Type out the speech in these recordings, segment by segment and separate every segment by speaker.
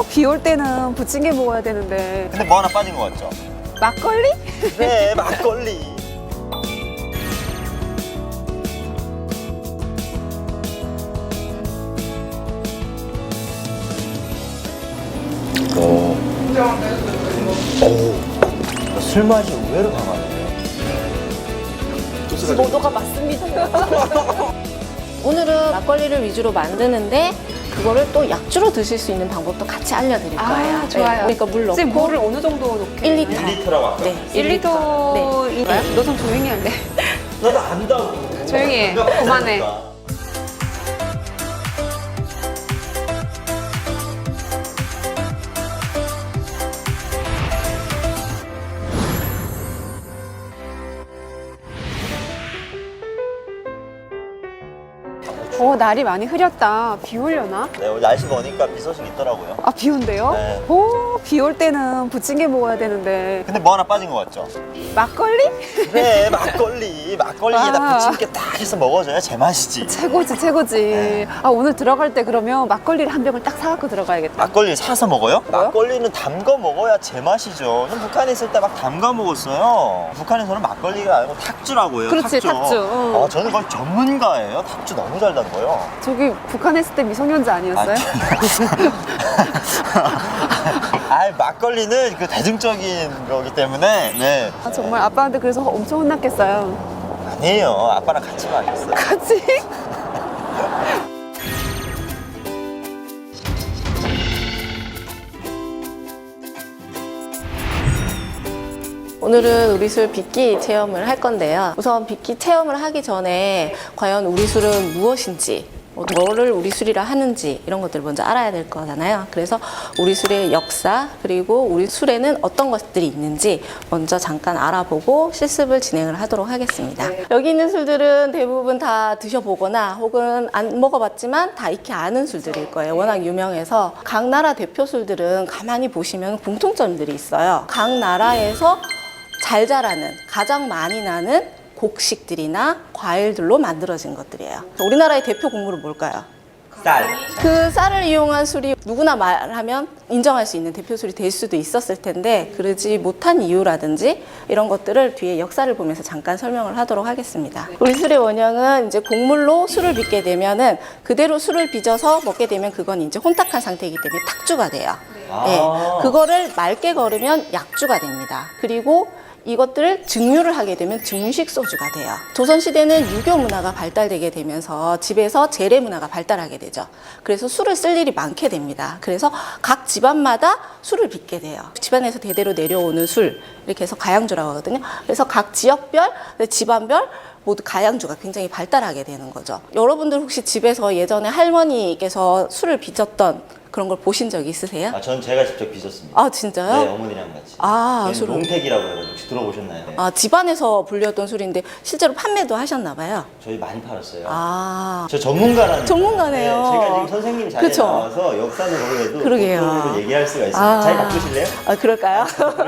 Speaker 1: 비 올 때는 부침개 먹어야 되는데.
Speaker 2: 근데 뭐 하나 빠진 것 같죠?
Speaker 1: 막걸리?
Speaker 2: 네, 막걸리. 술 맛이 의외로 강하네요.
Speaker 1: 15도가 맞습니다.
Speaker 3: 오늘은 막걸리를 위주로 만드는데 그거를 또 약주로 드실 수 있는 방법도 같이 알려드릴 거예요.
Speaker 1: 아, 좋아요.
Speaker 3: 그러니까 물 넣고
Speaker 1: 지금 물을 어느 정도 넣게?
Speaker 3: 1리터.
Speaker 2: 1리터라고 아까.
Speaker 3: 네,
Speaker 1: 1리터.
Speaker 3: 네.
Speaker 1: 너 좀 조용히 할래?
Speaker 2: 나도 안다고.
Speaker 1: 조용히 해. 그만해. 날이 많이 흐렸다. 비 오려나?
Speaker 2: 네, 오늘 날씨 보니까 비 소식 있더라고요.
Speaker 1: 아, 비 온대요?
Speaker 2: 네.
Speaker 1: 비 올 때는 부침개 먹어야 되는데.
Speaker 2: 근데 뭐 하나 빠진 것 같죠?
Speaker 1: 막걸리?
Speaker 2: 그래, 막걸리. 막걸리에다
Speaker 1: 아.
Speaker 2: 부침개 딱 해서 먹어줘야 제맛이지.
Speaker 1: 최고지, 최고지.
Speaker 2: 네.
Speaker 1: 아, 오늘 들어갈 때 그러면 막걸리를 한 병을 딱 사갖고 들어가야겠다.
Speaker 2: 막걸리 사서 먹어요?
Speaker 1: 뭐요?
Speaker 2: 막걸리는 담가 먹어야 제맛이죠. 전 북한에 있을 때 막 담가 먹었어요. 북한에서는 막걸리가 아니고 탁주라고요.
Speaker 1: 그렇지, 탁주. 응.
Speaker 2: 아, 저는 거의 전문가예요. 탁주 너무 잘 담궈요.
Speaker 1: 저기 북한에 있을 때 미성년자 아니었어요?
Speaker 2: 아, 막걸리는 그 대중적인 거기 때문에 네.
Speaker 1: 아, 정말 아빠한테 그래서 엄청 혼났겠어요.
Speaker 2: 아니에요. 아빠랑 같이 마셨어요.
Speaker 1: 같이?
Speaker 3: 오늘은 우리술 빚기 체험을 할 건데요. 우선 빚기 체험을 하기 전에 과연 우리술은 무엇인지, 뭐를 우리술이라 하는지 이런 것들을 먼저 알아야 될 거잖아요. 그래서 우리술의 역사 그리고 우리 술에는 어떤 것들이 있는지 먼저 잠깐 알아보고 실습을 진행을 하도록 하겠습니다. 여기 있는 술들은 대부분 다 드셔보거나 혹은 안 먹어봤지만 다 익히 아는 술들일 거예요. 워낙 유명해서 각 나라 대표 술들은 가만히 보시면 공통점들이 있어요. 각 나라에서 잘 자라는, 가장 많이 나는 곡식들이나 과일들로 만들어진 것들이에요. 우리나라의 대표 곡물은 뭘까요?
Speaker 2: 쌀.
Speaker 3: 그 쌀을 이용한 술이 누구나 말하면 인정할 수 있는 대표 술이 될 수도 있었을 텐데 그러지 못한 이유라든지 이런 것들을 뒤에 역사를 보면서 잠깐 설명을 하도록 하겠습니다. 우리 술의 원형은 이제 곡물로 술을 빚게 되면은 그대로 술을 빚어서 먹게 되면 그건 이제 혼탁한 상태이기 때문에 탁주가 돼요. 네, 그거를 맑게 거르면 약주가 됩니다. 그리고 이것들을 증류를 하게 되면 증식 소주가 돼요. 조선시대는 유교 문화가 발달되게 되면서 집에서 재래 문화가 발달하게 되죠. 그래서 술을 쓸 일이 많게 됩니다. 그래서 각 집안마다 술을 빚게 돼요. 집안에서 대대로 내려오는 술, 이렇게 해서 가양주라고 하거든요. 그래서 각 지역별, 집안별 모두 가양주가 굉장히 발달하게 되는 거죠. 여러분들 혹시 집에서 예전에 할머니께서 술을 빚었던 그런 걸 보신 적 있으세요?
Speaker 2: 아, 전 제가 직접 빚었습니다.
Speaker 3: 아, 진짜요?
Speaker 2: 네, 어머니랑 같이.
Speaker 3: 아,
Speaker 2: 저희는 롱택이라고 해가지고 혹시 들어보셨나요? 네.
Speaker 3: 아, 집안에서 불렸던 술인데 실제로 판매도 하셨나 봐요.
Speaker 2: 저희 많이 팔았어요.
Speaker 3: 아,
Speaker 2: 저 전문가라는.
Speaker 3: 전문가네요.
Speaker 2: 네, 제가 지금 선생님 자리에
Speaker 3: 그쵸?
Speaker 2: 나와서 역사도 모르게도
Speaker 3: 그러게요.
Speaker 2: 독도로 얘기할 수가 있습니다.
Speaker 3: 아.
Speaker 2: 자리 바꾸실래요?
Speaker 3: 아, 그럴까요?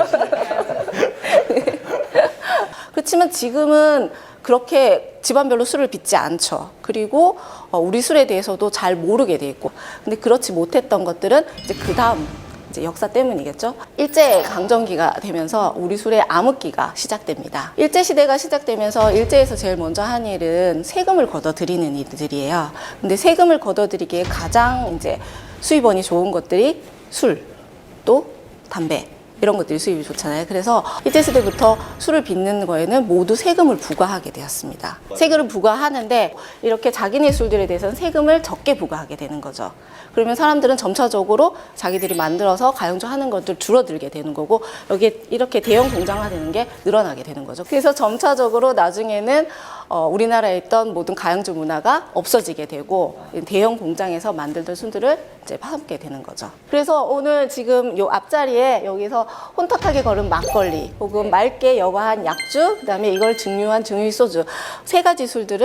Speaker 3: 그렇지만 지금은 그렇게 집안별로 술을 빚지 않죠. 그리고 우리 술에 대해서도 잘 모르게 돼 있고. 근데 그렇지 못했던 것들은 이제 그 다음 이제 역사 때문이겠죠. 일제 강점기가 되면서 우리 술의 암흑기가 시작됩니다. 일제 시대가 시작되면서 일제에서 제일 먼저 한 일은 세금을 걷어들이는 일들이에요. 근데 세금을 걷어들이기에 가장 이제 수입원이 좋은 것들이 술, 또 담배. 이런 것들이 수입이 좋잖아요. 그래서 일제시대부터 술을 빚는 거에는 모두 세금을 부과하게 되었습니다. 세금을 부과하는데 이렇게 자기네 술들에 대해서는 세금을 적게 부과하게 되는 거죠. 그러면 사람들은 점차적으로 자기들이 만들어서 가용주 하는 것들 줄어들게 되는 거고 여기에 이렇게 대형 공장화되는 게 늘어나게 되는 거죠. 그래서 점차적으로 나중에는 우리나라에 있던 모든 가양주 문화가 없어지게 되고 대형 공장에서 만들던 술들을 이제 파먹게 되는 거죠. 그래서 오늘 지금 요 앞자리에 여기서 혼탁하게 걸은 막걸리 혹은 맑게 여과한 약주, 그다음에 이걸 증류한 증류소주 세 가지 술들을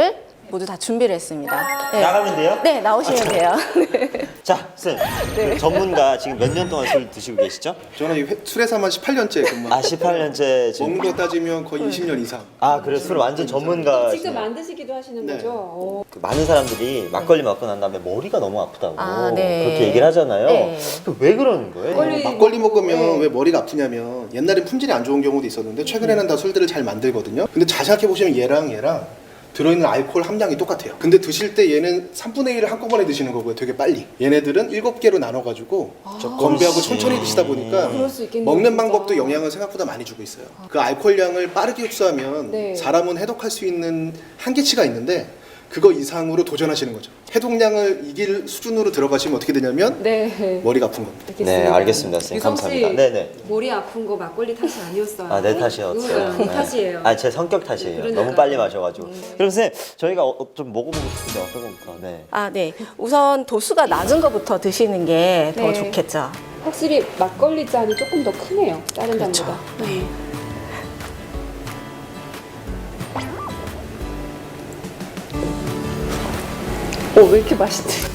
Speaker 3: 모두 다 준비를 했습니다. 네.
Speaker 2: 나가면 돼요?
Speaker 3: 네, 나오시면 돼요.
Speaker 2: 자, 선생님. 그 전문가 지금 몇 년 동안 술 드시고 계시죠?
Speaker 4: 저는 이 술회사만 18년째 근무.
Speaker 2: 아, 18년째 지금.
Speaker 4: 먹는 거 따지면 거의 20년 이상.
Speaker 2: 아, 그래 술 완전 전문가.
Speaker 1: 직접 만드시기도 하시는
Speaker 4: 네.
Speaker 1: 거죠? 오.
Speaker 2: 많은 사람들이 막걸리 먹고 난 다음에 머리가 너무 아프다고
Speaker 3: 아, 네.
Speaker 2: 그렇게 얘기를 하잖아요.
Speaker 3: 네.
Speaker 2: 왜 그러는 거예요?
Speaker 4: 막걸리 먹으면 왜 머리가 아프냐면 옛날엔 품질이 안 좋은 경우도 있었는데 최근에는 다 술들을 잘 만들거든요. 근데 자세하게 보시면 얘랑 들어있는 알코올 함량이 똑같아요. 근데 드실 때 얘는 3분의 1을 한꺼번에 드시는 거고요. 되게 빨리. 얘네들은 7개로 나눠가지고 건배하고 천천히 드시다 보니까
Speaker 1: 그럴 수 있겠네요,
Speaker 4: 먹는
Speaker 1: 진짜.
Speaker 4: 방법도 영향을 생각보다 많이 주고 있어요. 그 알코올량을 빠르게 흡수하면
Speaker 1: 네.
Speaker 4: 사람은 해독할 수 있는 한계치가 있는데 그거 이상으로 도전하시는 거죠. 해독량을 이길 수준으로 들어가시면 어떻게 되냐면
Speaker 1: 네.
Speaker 4: 머리가 아픈 겁니다.
Speaker 2: 네, 알겠습니다, 선생님.
Speaker 1: 유성 씨,
Speaker 2: 감사합니다. 네네.
Speaker 1: 머리 아픈 거 막걸리 탓이 아니었어요.
Speaker 2: 아, 내 탓이었어요.
Speaker 1: 네 탓이에요.
Speaker 2: 아, 제 성격 탓이에요.
Speaker 1: 그러니까요.
Speaker 2: 너무 빨리 마셔가지고. 그럼 선생님, 저희가 좀 먹어보고 싶은데 어떤 겁니까? 네.
Speaker 3: 아, 네. 우선 도수가 낮은 것부터 드시는 게 더
Speaker 1: 네.
Speaker 3: 좋겠죠.
Speaker 1: 확실히 막걸리 잔이 조금 더 크네요. 다른 잔보다. 네. 왜 이렇게 맛있지?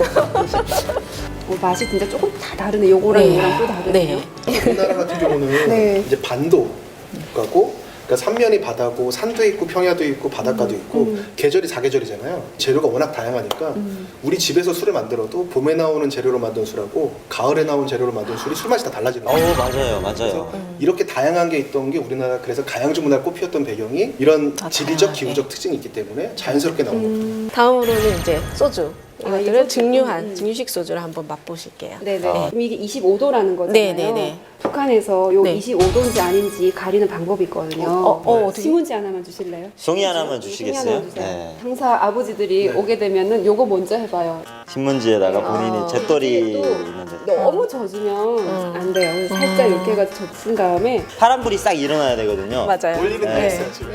Speaker 1: 맛이 진짜 조금 다 다르네. 요거랑
Speaker 3: 네.
Speaker 1: 요거랑 또 다르네요.
Speaker 3: 네.
Speaker 4: 우리나라 같은 경우는
Speaker 1: 네.
Speaker 4: 이제 반도 국가고 그러니까 삼면이 바다고 산도 있고 평야도 있고 바닷가도 있고 계절이 4계절이잖아요. 재료가 워낙 다양하니까 우리 집에서 술을 만들어도 봄에 나오는 재료로 만든 술하고 가을에 나온 재료로 만든 술이 술 맛이 다 달라지는 거예요.
Speaker 2: 맞아요, 맞아요.
Speaker 4: 그래서 이렇게 다양한 게 있던 게 우리나라 그래서 가양주 문화를 꼽혔던 배경이 이런
Speaker 3: 다
Speaker 4: 지리적
Speaker 3: 다양하게.
Speaker 4: 기후적 특징이 있기 때문에 자연스럽게 나온 겁니다.
Speaker 3: 다음으로는 이제 소주. 이것들을
Speaker 1: 이거
Speaker 3: 증류한 증류식 소주를 한번 맛보실게요.
Speaker 1: 네네.
Speaker 2: 아.
Speaker 1: 그럼 이게 25도라는 거잖아요.
Speaker 3: 네네네.
Speaker 1: 북한에서 요
Speaker 3: 네.
Speaker 1: 25도인지 아닌지 가리는 방법이 있거든요.
Speaker 3: 어떻게?
Speaker 1: 신문지 하나만 주실래요?
Speaker 2: 종이 하나만
Speaker 1: 종이
Speaker 2: 주시겠어요?
Speaker 1: 하나 주세요.
Speaker 2: 네.
Speaker 1: 항상 아버지들이 오게 되면은 요거 먼저 해봐요.
Speaker 2: 신문지에다가 본인이 잿더리
Speaker 1: 또
Speaker 2: 있는데
Speaker 1: 너무 젖으면 안 돼요. 그래서 살짝 이렇게 해가지고 젖은 다음에
Speaker 2: 파란불이 싹 일어나야 되거든요.
Speaker 3: 맞아요.
Speaker 4: 올리는 데
Speaker 2: 네.
Speaker 4: 있어요 지금.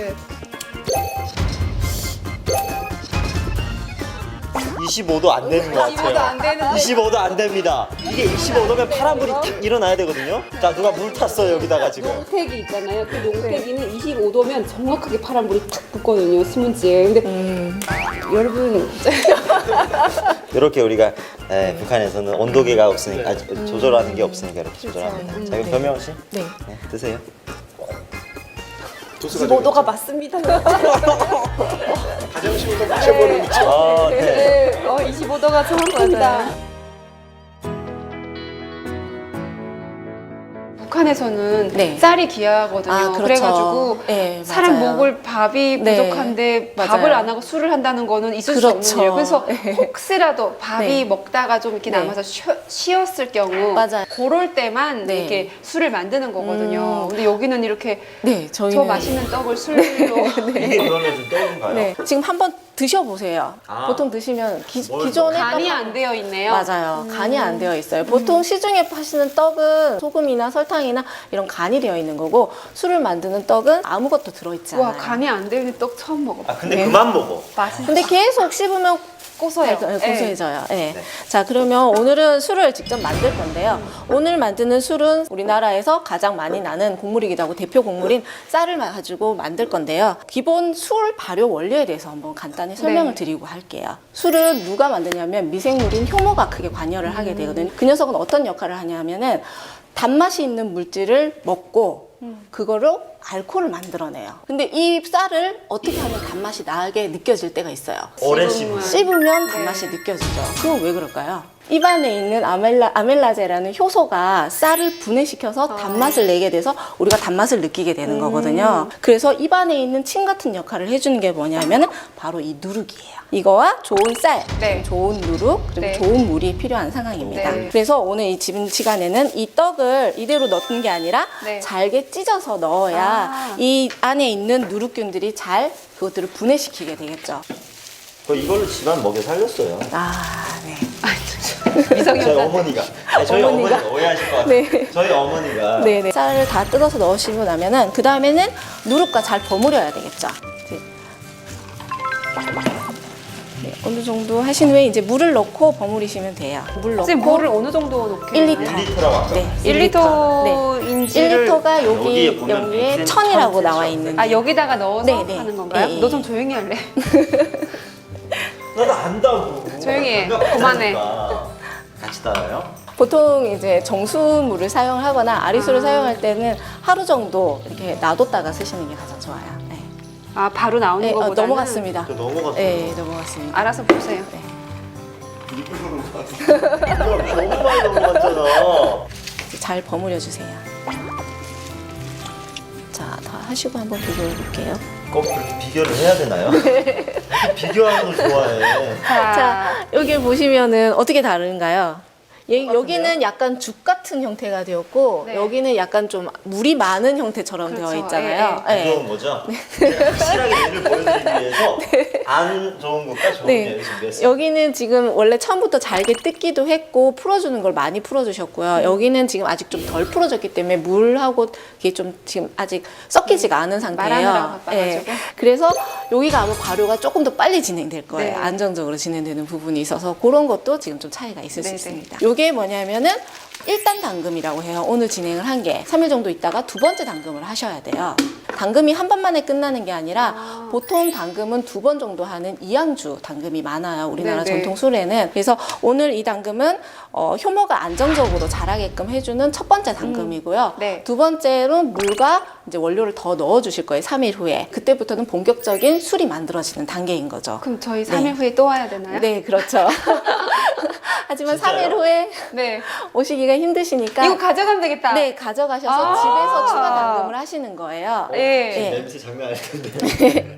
Speaker 2: 25도 안 되는 것
Speaker 1: 25도 안
Speaker 2: 같아요.
Speaker 1: 되는데
Speaker 2: 25도 안 됩니다. 이게 25도면 파란불이 탁 일어나야 되거든요. 자, 누가 물 탔어요, 여기다가 지금.
Speaker 1: 농태기 있잖아요. 그 농태기는 25도면 정확하게 파란불이 탁 붙거든요. 신문지에. 근데 여러분
Speaker 2: 이렇게 우리가 북한에서는 온도계가 없으니까 조절하는 게 없으니까 이렇게 조절합니다. 자, 그럼 변명호 씨,
Speaker 3: 네.
Speaker 2: 네, 드세요.
Speaker 4: 도수가
Speaker 1: 25도가 맞습니다.
Speaker 4: 가장 쉬운 거 마셔보는 거죠.
Speaker 2: 아, 네.
Speaker 1: 네, 25도가 정확합니다. 북한에서는
Speaker 3: 네.
Speaker 1: 쌀이 귀하거든요.
Speaker 3: 아, 그렇죠.
Speaker 1: 그래가지고
Speaker 3: 네,
Speaker 1: 사람
Speaker 3: 맞아요.
Speaker 1: 먹을 밥이
Speaker 3: 네,
Speaker 1: 부족한데
Speaker 3: 맞아요.
Speaker 1: 밥을 안 하고 술을 한다는 거는 있을 수
Speaker 3: 그렇죠.
Speaker 1: 없는 일이에요. 그래서
Speaker 3: 네.
Speaker 1: 혹시라도 밥이
Speaker 3: 네.
Speaker 1: 먹다가 좀 이렇게
Speaker 3: 네.
Speaker 1: 남아서 쉬었을 경우
Speaker 3: 맞아요.
Speaker 1: 그럴 때만
Speaker 3: 네.
Speaker 1: 이렇게 술을 만드는 거거든요. 근데 여기는 이렇게
Speaker 3: 네, 저희는
Speaker 1: 저 맛있는 떡을 술로
Speaker 2: 이게 그러면 좀 떡인가요?
Speaker 3: 네, 지금 한번 드셔보세요.
Speaker 2: 아.
Speaker 3: 보통 드시면
Speaker 2: 뭘
Speaker 3: 기존에
Speaker 1: 간이
Speaker 3: 떡-
Speaker 1: 안 되어 있네요.
Speaker 3: 맞아요. 간이 안 되어 있어요. 보통 시중에 파시는 떡은 소금이나 설탕이나 이런 간이 되어 있는 거고 술을 만드는 떡은 아무것도 들어있지 않아요.
Speaker 1: 와 간이 안 되어 있는 떡 처음 먹어.
Speaker 2: 아, 근데
Speaker 3: 네.
Speaker 2: 그만 먹어.
Speaker 1: 맛있어.
Speaker 3: 근데 계속 씹으면
Speaker 1: 고소해요.
Speaker 3: 고소해져요. 네. 자, 그러면 오늘은 술을 직접 만들 건데요. 오늘 만드는 술은 우리나라에서 가장 많이 나는 곡물이기도 하고 대표 곡물인 쌀을 가지고 만들 건데요. 기본 술 발효 원리에 대해서 한번 간단히 설명을 드리고 할게요. 술은 누가 만드냐면 미생물인 효모가 크게 관여를 하게 되거든요. 그 녀석은 어떤 역할을 하냐면은 단맛이 있는 물질을 먹고 그거로 알코올을 만들어내요. 근데 이 쌀을 어떻게 하면 단맛이 나게 느껴질 때가 있어요.
Speaker 2: 오랜
Speaker 1: 씹으면.
Speaker 3: 씹으면 단맛이 느껴지죠. 그건 왜 그럴까요? 입안에 있는 아멜라제라는 효소가 쌀을 분해시켜서 단맛을 내게 돼서 우리가 단맛을 느끼게 되는 거거든요. 그래서 입안에 있는 침 같은 역할을 해주는 게 뭐냐면은 바로 이 누룩이에요. 이거와 좋은 쌀,
Speaker 1: 네.
Speaker 3: 좋은 누룩, 그리고
Speaker 1: 네.
Speaker 3: 좋은 물이 필요한 상황입니다.
Speaker 1: 네.
Speaker 3: 그래서 오늘 이 지금 시간에는 이 떡을 이대로 넣는 게 아니라
Speaker 1: 네.
Speaker 3: 잘게 찢어서 넣어야
Speaker 1: 아.
Speaker 3: 이 안에 있는 누룩균들이 잘 그것들을 분해시키게 되겠죠.
Speaker 2: 저 이걸로 집안 먹여 살렸어요.
Speaker 3: 아, 네.
Speaker 2: 저희 어머니가. 아니, 저희
Speaker 3: 어머니가?
Speaker 2: 어머니가 오해하실 것 같아요.
Speaker 3: 네.
Speaker 2: 저희 어머니가.
Speaker 3: 네네. 쌀을 다 뜯어서 넣으시고 나면은 그 다음에는 누룩과 잘 버무려야 되겠죠. 이제 네, 어느 정도 하신 후에 이제 물을 넣고 버무리시면 돼요. 물 넣고
Speaker 1: 지금 물을 어느 정도 넣게
Speaker 3: 1리터.
Speaker 2: 1리터라고 아까.
Speaker 3: 네,
Speaker 1: 1리터인지를
Speaker 3: 1리터가
Speaker 2: 여기에
Speaker 3: 여기
Speaker 2: 보면
Speaker 3: 여기에
Speaker 2: 100cm
Speaker 3: 1000이라고 나와 있는.
Speaker 1: 아 여기다가 넣어서
Speaker 3: 네, 네.
Speaker 1: 하는 건가요?
Speaker 3: 네,
Speaker 1: 너
Speaker 3: 네.
Speaker 1: 좀 조용히 할래?
Speaker 2: 나도 안다고.
Speaker 1: 조용히 해.
Speaker 2: 내가
Speaker 1: 그만해.
Speaker 2: 같다니까. 같이 따라요?
Speaker 3: 보통 이제 정수물을 사용을 하거나 아리수를 사용할 때는 하루 정도 이렇게 놔뒀다가 쓰시는 게 가장 좋아요. 네.
Speaker 1: 아 바로 나오는
Speaker 3: 네,
Speaker 1: 거보다는
Speaker 3: 넘어갔습니다.
Speaker 2: 저 넘어갔어.
Speaker 3: 네, 넘어갔습니다.
Speaker 1: 알아서 보세요.
Speaker 3: 네.
Speaker 2: 너무 많이 넘어갔잖아.
Speaker 3: 이제 잘 버무려 주세요. 자, 다 하시고 한번 비교해 볼게요.
Speaker 2: 꼭 그렇게 비교를 해야 되나요? 비교하는 걸 좋아해.
Speaker 3: 자, 여기 보시면은 어떻게 다른가요? 여기는 약간 죽 같은 형태가 되었고
Speaker 1: 네.
Speaker 3: 여기는 약간 좀 물이 많은 형태처럼
Speaker 1: 그렇죠.
Speaker 3: 되어 있잖아요.
Speaker 1: 예,
Speaker 2: 무서운 거죠? 확실하게 예를 보여드리기 위해서 안 좋은 것과 좋은
Speaker 3: 네.
Speaker 2: 예를 준비했어요.
Speaker 3: 여기는 지금 원래 처음부터 잘게 뜯기도 했고 풀어주는 걸 많이 풀어주셨고요. 여기는 지금 아직 좀 덜 풀어졌기 때문에 물하고 이게 좀 지금 아직 섞이지가 않은 상태예요.
Speaker 1: 말하느라 바빠가지고.
Speaker 3: 그래서 여기가 아마 발효가 조금 더 빨리 진행될 거예요.
Speaker 1: 네.
Speaker 3: 안정적으로 진행되는 부분이 있어서 그런 것도 지금 좀 차이가 있을 수
Speaker 1: 네네.
Speaker 3: 있습니다. 이게 뭐냐면은 1단 당금이라고 해요. 오늘 진행을 한 게 3일 정도 있다가 두 번째 당금을 하셔야 돼요. 당금이 한 번만에 끝나는 게 아니라 보통 당금은 두 번 정도 하는 이양주 당금이 많아요. 우리나라
Speaker 1: 네네.
Speaker 3: 전통 술에는. 그래서 오늘 이 당금은 효모가 안정적으로 자라게끔 해주는 첫 번째 당금이고요.
Speaker 1: 네.
Speaker 3: 두 번째로 물과 이제 원료를 더 넣어주실 거예요. 3일 후에. 그때부터는 본격적인 술이 만들어지는 단계인 거죠.
Speaker 1: 그럼 저희 3일 후에 또 와야 되나요?
Speaker 3: 네, 그렇죠. 하지만
Speaker 2: 진짜요?
Speaker 3: 3일 후에
Speaker 1: 네.
Speaker 3: 오시기가 힘드시니까
Speaker 1: 이거 가져가면 되겠다.
Speaker 3: 네, 가져가셔서
Speaker 1: 아.
Speaker 3: 집에서 추가 당금을 하시는 거예요.
Speaker 1: 예.
Speaker 3: 네.
Speaker 2: 냄새 장난 아닐 텐데.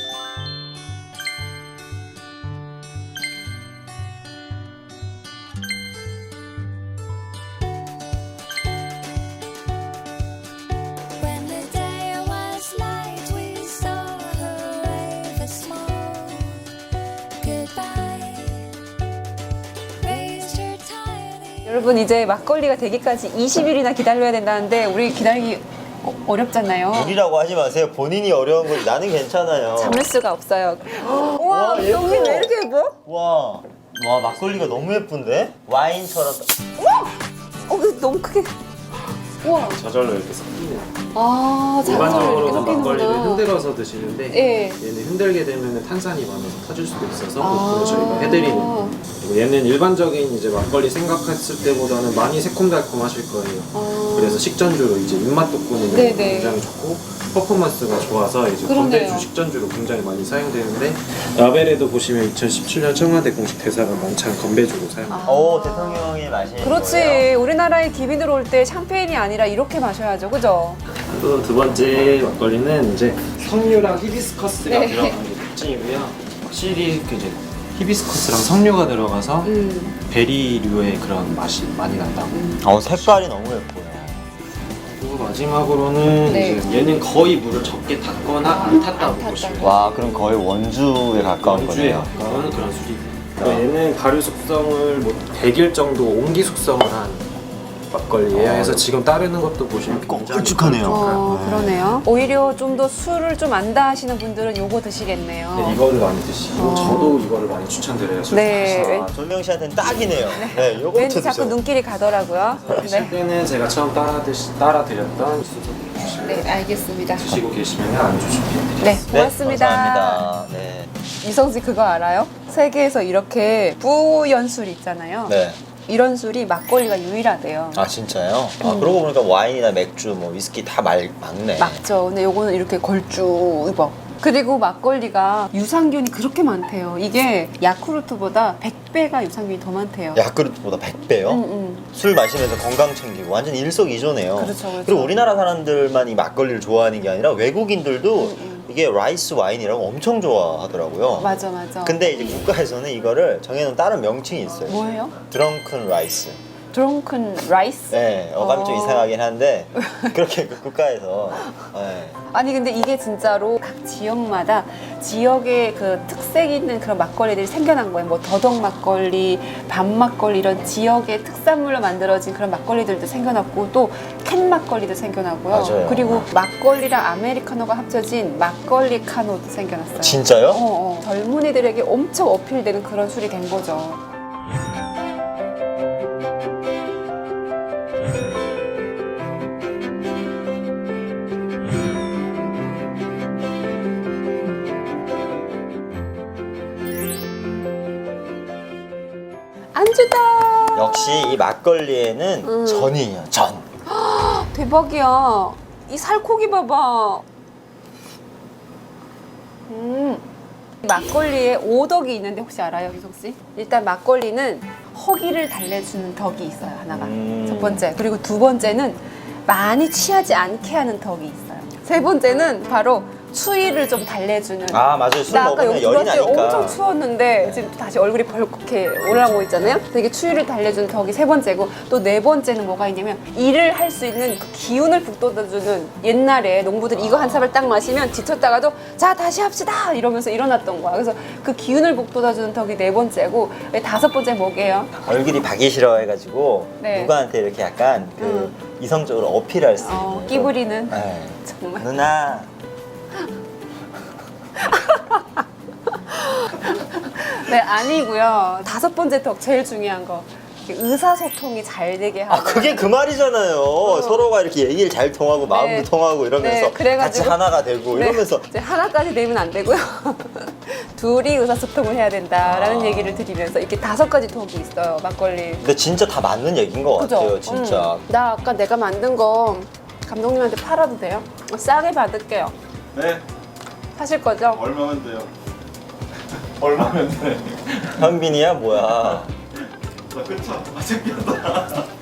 Speaker 5: When the day was light, we saw her wave a small goodbye. Raised her tiny.
Speaker 1: 여러분 이제 막걸리가 되기까지 20일이나 기다려야 된다는데 우리 기다리기 어렵잖아요.
Speaker 2: 우리라고 하지 마세요. 본인이 어려운 거지. 나는 괜찮아요.
Speaker 1: 참을 수가 없어요. 우와,
Speaker 2: 예뻐.
Speaker 1: 여기 왜 이렇게 예뻐?
Speaker 2: 와 막걸리가 너무 예쁜데? 와인처럼.
Speaker 1: 이거 너무 크게. 우와.
Speaker 6: 저절로 이렇게 섞이는.
Speaker 1: 아,
Speaker 6: 일반적으로
Speaker 1: 이렇게
Speaker 6: 막걸리를
Speaker 1: 섞이는구나.
Speaker 6: 흔들어서 드시는데
Speaker 1: 예.
Speaker 6: 얘는 흔들게 되면 탄산이 많아서 터질 수도 있어서
Speaker 1: 아.
Speaker 6: 그걸 저희가 해드리는. 그리고 얘는 일반적인 이제 막걸리 생각했을 때보다는 많이 새콤달콤하실 거예요.
Speaker 1: 아.
Speaker 6: 그래서 식전주로 이제 입맛 돋구는
Speaker 1: 네네.
Speaker 6: 게 굉장히 좋고 퍼포먼스가 좋아서 이제
Speaker 1: 그러네요.
Speaker 6: 건배주 식전주로 굉장히 많이 사용되는데 라벨에도 보시면 2017년 청와대 공식 대사가 만찬 건배주로 사용합니다.
Speaker 2: 오 대통령이 마시는
Speaker 1: 그렇지.
Speaker 2: 거예요?
Speaker 1: 우리나라에 기빈 들어올 때 샴페인이 아니라 이렇게 마셔야죠. 그죠?
Speaker 6: 또 두 번째 막걸리는 이제 석류랑 히비스커스가
Speaker 1: 네.
Speaker 6: 들어가는 게 특징이고요. 확실히 그 이제 히비스커스랑 석류가 들어가서 베리류의 그런 맛이 많이 난다고.
Speaker 2: 색깔이 너무 예뻐요.
Speaker 6: 그리고 마지막으로는
Speaker 1: 네.
Speaker 6: 이제 얘는 거의 물을 적게 탔거나 안 탔다고 보시면 돼요.
Speaker 2: 와 그럼 거의 원주에 가까운
Speaker 6: 원주에
Speaker 2: 거네요.
Speaker 6: 가까운 그런 술이. 얘는 발효 숙성을 뭐 100일 정도 옹기 숙성을 한 막걸리예요. 그래서 지금 따르는 것도 보시면 굉장히
Speaker 2: 걸쭉하네요.
Speaker 1: 그러네요. 오히려 좀 더 술을 좀 안다 하시는 분들은 요거 드시겠네요.
Speaker 6: 네, 이거를 많이 드시고 저도 이거를 많이 추천드려요. 술
Speaker 1: 네.
Speaker 6: 좋아해서.
Speaker 2: 아, 조명 씨한테는 딱이네요. 네, 요거부터
Speaker 1: 왠지 자꾸
Speaker 2: 드셔.
Speaker 1: 눈길이 가더라고요.
Speaker 6: 드실 때는 제가 처음 따라드렸던 수저로 드시고
Speaker 1: 네, 알겠습니다.
Speaker 6: 드시고 계시면 안주 준비해드릴게요.
Speaker 1: 네,
Speaker 2: 네,
Speaker 1: 고맙습니다.
Speaker 2: 감사합니다. 네.
Speaker 1: 이성지 그거 알아요? 세계에서 이렇게 뿌연술 있잖아요.
Speaker 2: 네.
Speaker 1: 이런 술이 막걸리가 유일하대요.
Speaker 2: 아 진짜요? 아 그러고 보니까 와인이나 맥주, 뭐 위스키 다 막네.
Speaker 1: 맞죠. 근데 요거는 이렇게 걸쭉입어. 그리고 막걸리가 유산균이 그렇게 많대요. 이게 야쿠르트보다 100배가 유산균이 더 많대요.
Speaker 2: 야크르트보다 100배요? 술 마시면서 건강 챙기고 완전 일석이조네요.
Speaker 1: 그렇죠, 그렇죠.
Speaker 2: 그리고 우리나라 사람들만 이 막걸리를 좋아하는 게 아니라 외국인들도 이게 라이스 와인이라고 엄청 좋아하더라고요.
Speaker 1: 맞아, 맞아.
Speaker 2: 근데 이제 국가에서는 이거를 정해놓은 다른 명칭이 있어요.
Speaker 1: 뭐예요?
Speaker 2: 드렁큰 라이스.
Speaker 1: 드렁큰 라이스?
Speaker 2: 네, 어감이 좀 이상하긴 한데 그렇게 그 국가에서 네.
Speaker 1: 아니 근데 이게 진짜로 각 지역마다 지역의 그 특색 있는 그런 막걸리들이 생겨난 거예요. 뭐 더덕 막걸리, 밤 막걸리 이런 지역의 특산물로 만들어진 그런 막걸리들도 생겨났고 또 캔 막걸리도 생겨나고요.
Speaker 2: 맞아요.
Speaker 1: 그리고 막걸리랑 아메리카노가 합쳐진 막걸리 카노도 생겨났어요.
Speaker 2: 진짜요?
Speaker 1: 젊은이들에게 엄청 어필되는 그런 술이 된 거죠.
Speaker 2: 역시 이 막걸리에는 전이에요. 전.
Speaker 1: 대박이야. 이 살코기 봐봐. 막걸리에 오덕이 있는데 혹시 알아요, 유석 씨? 일단 막걸리는 허기를 달래주는 덕이 있어요, 하나가. 첫 번째. 그리고 두 번째는 많이 취하지 않게 하는 덕이 있어요. 세 번째는 바로 추위를 좀 달래주는.
Speaker 2: 아 맞아요. 술
Speaker 1: 나 아까
Speaker 2: 먹으면
Speaker 1: 여기
Speaker 2: 열이
Speaker 1: 들어왔을 때
Speaker 2: 나니까.
Speaker 1: 엄청 추웠는데 지금 또 다시 얼굴이 벌겋게 올라오고 있잖아요. 그래서 이게 추위를 달래주는 덕이 세 번째고 또 네 번째는 뭐가 있냐면 일을 할 수 있는 그 기운을 북돋아주는 옛날에 농부들이 이거 한 삽을 딱 마시면 지쳤다가도 자 다시 합시다 이러면서 일어났던 거야. 그래서 그 기운을 북돋아주는 덕이 네 번째고 다섯 번째 뭐게요?
Speaker 2: 얼굴이 박이 싫어해가지고
Speaker 1: 네.
Speaker 2: 누구한테 이렇게 약간 그 이성적으로 어필할 수 있는.
Speaker 1: 끼부리는
Speaker 2: 네.
Speaker 1: 정말.
Speaker 2: 누나.
Speaker 1: 네 아니고요. 다섯 번째 덕 제일 중요한 거 의사소통이 잘 되게 하고.
Speaker 2: 아 그게 그 말이잖아요. 서로가 이렇게 얘기를 잘 통하고 마음도
Speaker 1: 네.
Speaker 2: 통하고 이러면서
Speaker 1: 네, 그래가지고-
Speaker 2: 같이 하나가 되고
Speaker 1: 네,
Speaker 2: 이러면서
Speaker 1: 이제 하나까지 되면 안 되고요. 둘이 의사소통을 해야 된다라는
Speaker 2: 아.
Speaker 1: 얘기를 드리면서 이렇게 다섯 가지 덕이 있어요 막걸리.
Speaker 2: 근데 진짜 다 맞는 얘기인 것 같아요. 진짜.
Speaker 1: 나 아까 내가 만든 거 감독님한테 팔아도 돼요? 싸게 받을게요.
Speaker 7: 네,
Speaker 1: 사실 거죠?
Speaker 7: 얼마면 돼요? 얼마면 돼?
Speaker 2: 현빈이야 뭐야.
Speaker 7: 나 그쵸? 아, 챙겼다.